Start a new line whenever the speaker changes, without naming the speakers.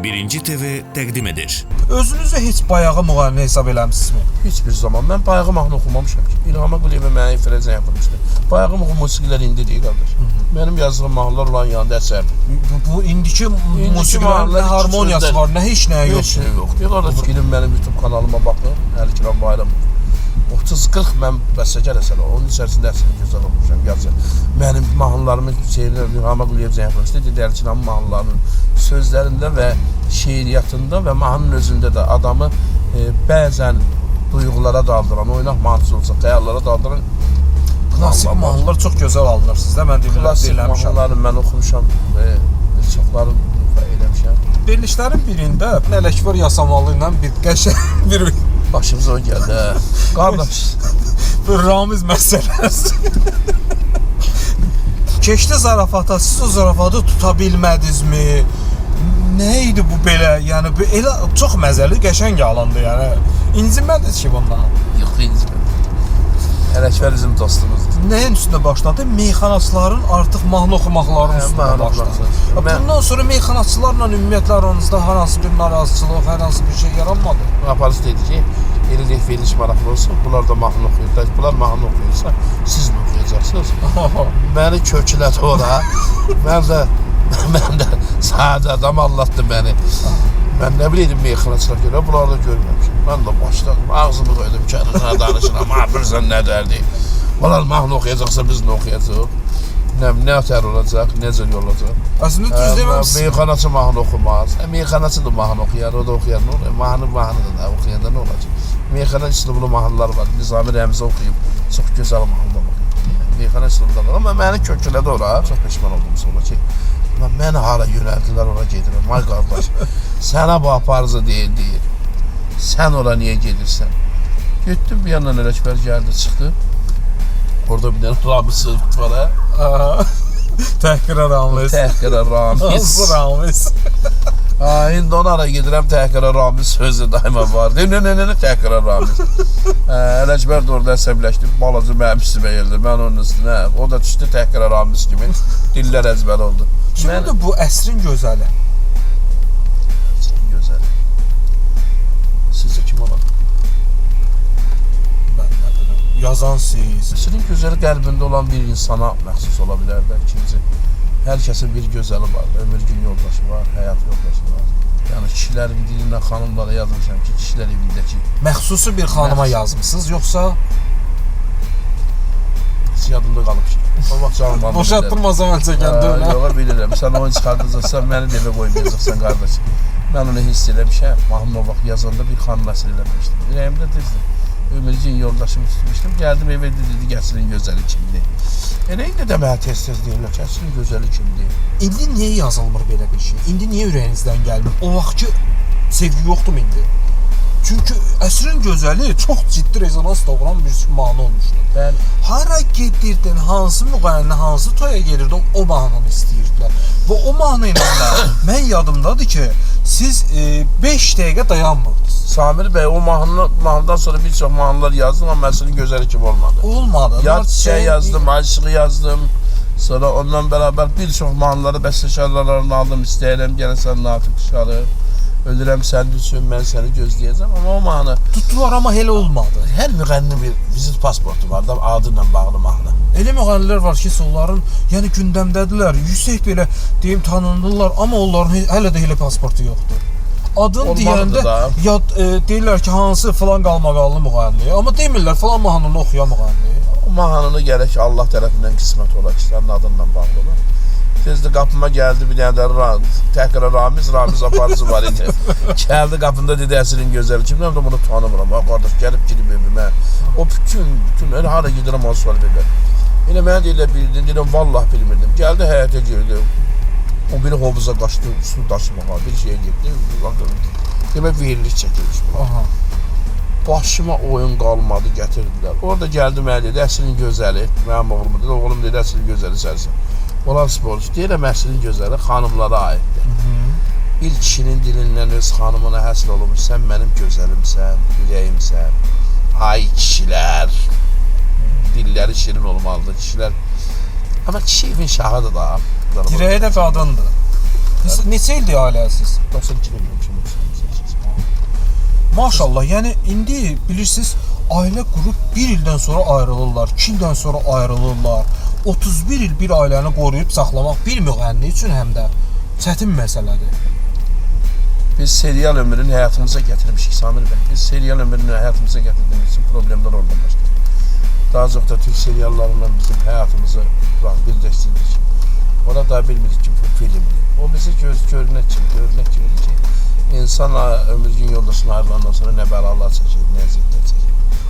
Birinci TV təqdim edir.
Özünüzü heç bayağı müğənni hesab eləmişsinizmi?
Hiçbir zaman. Ben bayağı mahnı okumamışım ki. İlham Əquliyevə mənə frezə yapılmışdı. Bayağı musiqilər indi deyil qardaş. Benim yazdığım mahnılar olan yanında əsərdir.
Bu indiki musiqilərin nə harmoniyası var, nə heç nəyə yox.
Heç nə yox. Bir qardaş girin mənim YouTube kanalıma baxın. Əli Kiram Bayramov. 30-40 mən bəstəkar əsərlər. Onun içərisində əsəri gözəl olmuşam. Yazın. Mənim mahnılarımın şeyləri İlham Əquliyev yapılmışdı. Dedi Əli Kiram mahnılarının sözlərində və şeiriyyatında və mahnının özündə də adamı bəzən duyğulara daldıran, oynaq mahnısı olsa, xəyallara daldıran
Klasik mahnılar çox gözəl alınır sizdə. Mən
klasik mahnıları mən oxumuşam və çoxlarını eləmişəm.
Verilişlərin birində Ələkbər Yasamallı ilə bir qəşəng bir
başımıza o gəldi. Qardaş,
Ramiz məsələsi. Keçdi zarafata, siz o zarafatı tuta bilmədinizmi? Nə idi bu belə? Yəni bu elə çox məzəli, qəşəng alındı yəni. İncinmədiniz ki bundan?
Yox, inciməm. Ələkbər bizim dostumuzdur.
Nəyin üstündə başladı? Meyxanaçıların artıq mahnı oxumaqlarının üstündə başladı. Bundan sonra meyxanaçılarla ümumiyyətlə aranızda hər hansı bir narazıçılıq, hər hansı bir şey yaranmadı?
Aparıcı dedi ki, elə veriliş maraqlı olsun, bunlar da mahnı oxuyurlar. Bunlar mahnı oxuyursa, siz mi oxuyacaqsınız? Məni köklədi ora. Mən də sadə adam anlattı məni. Mən nə bileydim meyxanaçılar görə, bunları da görməmişim. Mən də başladım, ağzımı qoydum kənarına danışıram. Bilirsən nə dərdi? Bunlar mahnı oxuyacaqsa biz nə oxuyacaq? Nə tər olacaq, necə yol olacaq?
Əslində düz deməmişsiniz.
Meyxanaçı mahnı oxumaz. Meyxanaçı da mahnı oxuyar, o da oxuyar. Nə olur? Mahnı da oxuyanda nə olacaq? Meyxana üslublu mahnılar var. Nizami Rəmzi oxuyub, çox gözəl mahnılar oxuyub. Meyxana üslubunda var. Amma məni köklədi ora. Çox peşman oldum sonra ki, məni hara yönəldilər, ora gedirəm. Ay qardaş, sənə bu aparıcı deyil. Sən ora niyə gedirsən? Getdim, bir yandan Ələkbər gəldi, çıxdı. Orada bir dənə Ramiz var, hə?
Təhqirə Ramiz.
Təhqirə Ramiz.
Hansı Ramiz?
İndi ona ara gedirəm, Təhqirə Ramiz sözü daima var. Nə, Təhqirə Ramiz. Ələkbər də orada əsəbləşdi, balacı mənim üstümə gəldi. Mən onun üstünə, o da düşdü Təhqirə Ramiz kimi. Dillər əzbər oldu.
Kimdir bu əsrin gözəli?
Əsrin gözəli. Sizcə kim olar?
Mən nə bilim, yazan siz.
Əsrin gözəli qəlbində olan bir insana məxsus ola bilər də. İkinci, hər kəsin bir gözəli var. Ömür gün yoldaşı var, həyat yoldaşı var. Yəni kişilərin dilindən xanımlara yazmışam ki, kişilər evindəki.
Məxsusu bir xanıma yazmısınız, yoxsa?
Heç yadımda qalıb ki. O vaxt canım aldı.
Boşaltdırmazam mən çəkəndə öyle.
Yox, bilirəm. Sən oyun çıxardacaqsan, məni də evə qoymayacaqsan, qardaş. Mən onu hiss eləmişəm. Mahnı o vaxt yazanda bir xanım əsr eləmişdim. Ürəyimdə düzdür. Ömürcün yoldaşımı tutmuşdum. Gəldim evə dedi ki, əsrin gözəli kimdir? Elə indi də mənə tez-tez deyirlər ki, əsrin gözəli kimdir?
İndi niyə yazılmır belə bir şey? İndi niyə ürəyinizdən gəlmir? O vaxtki sevgi yoxdur mu indi? Çünki əsrin gözəli çox ciddi rezonans doğuran bir mahnı olmuşdu.
Mən
hara gedirdin, hansı müğənni, hansı toya gedirdin, o mahnını istəyirdilər. Və o mahnı ilə də mən yadımdadır ki, siz 5 dəqiqə dayanmırdınız.
Samir bəy, o mahnıdan sonra bir çox mahnılar yazdım, amma əsrin gözəli kimi olmadı.
Olmadı.
Yad çiçəyi yazdım, aşığı yazdım. Sonra ondan bərabər bir çox mahnıları bəstəkarlarını aldım, istəyirəm, gələn sən Natiq Şarı. Ölürəm sənin üçün, mən səni gözləyəcəm, amma o mahnı
tutdular, amma elə olmadı.
Hər müğənni bir vizit pasportu var da, adı ilə bağlı mahnı.
Elə müğənnilər var ki, onların yəni gündəmdədirlər, yüksək belə deyim tanınırlar, amma onların hələ də elə pasportu yoxdur. Adın deyəndə deyirlər ki, hansı falan qalmaqallı müğənni, amma demirlər falan mahnını oxuyan müğənni.
O mahnını gərək Allah tərəfindən qismət olar ki, sənin adınla bağlı olar. Tezdə qapıma gəldi bir dənə də Təhqirə Ramiz aparıcı var idi. Gəldi qapında dedi əsrin gözəli kimdir, bunu tanımıram. Qardaş gəlib girib evimə. O bütün elə hara gedirəm onu sual verirlər. Elə mənə deyirlər bildin, deyirəm vallah bilmirdim. Gəldi həyətə girdi. O biri hovuza qaçdı, su daşımağa, bir şeyə getdi. Demək veriliş çəkilmiş bu. Başıma oyun qalmadı, gətirdilər. Orada gəldi mənə dedi, əsrin gözəli. Mənim oğlum dedi, oğlum dedi, əsrin gözəli sənsən. Olan sporcu deyirəm, əsrin gözəli xanımlara aiddir. Bir kişinin dilindən öz xanımına həsr olunmuş, sən mənim gözəlimsən, ürəyimsən. Ay kişilər, dilləri şirin olmalıdır kişilər. Amma kişi evin şahıdır da.
Dirəyə də qadındır. Neçə ildir ailəsiz?
92 ildir.
Maşallah, yəni indi bilirsiniz, ailə qurub 1 ildən sonra ayrılırlar, 2 ildən sonra ayrılırlar. 31 il bir ailəni qoruyub saxlamaq bir müğənni üçün həm də çətin məsələdir.
Biz serial ömrünü həyatımıza gətirmişik Samir bəy. Biz serial ömrünü həyatımıza gətirdiyimiz üçün problemlər oradan başladı. Daha çox da Türk seriallarıyla bizim həyatımızı birləşdirdik. Ona da bilmirik ki, bu filmdir. O bizi görünək kimi ki, insan ömrün yoldaşına ayrılandan sonra nə bəlalar çəkir, nə əziyyətlər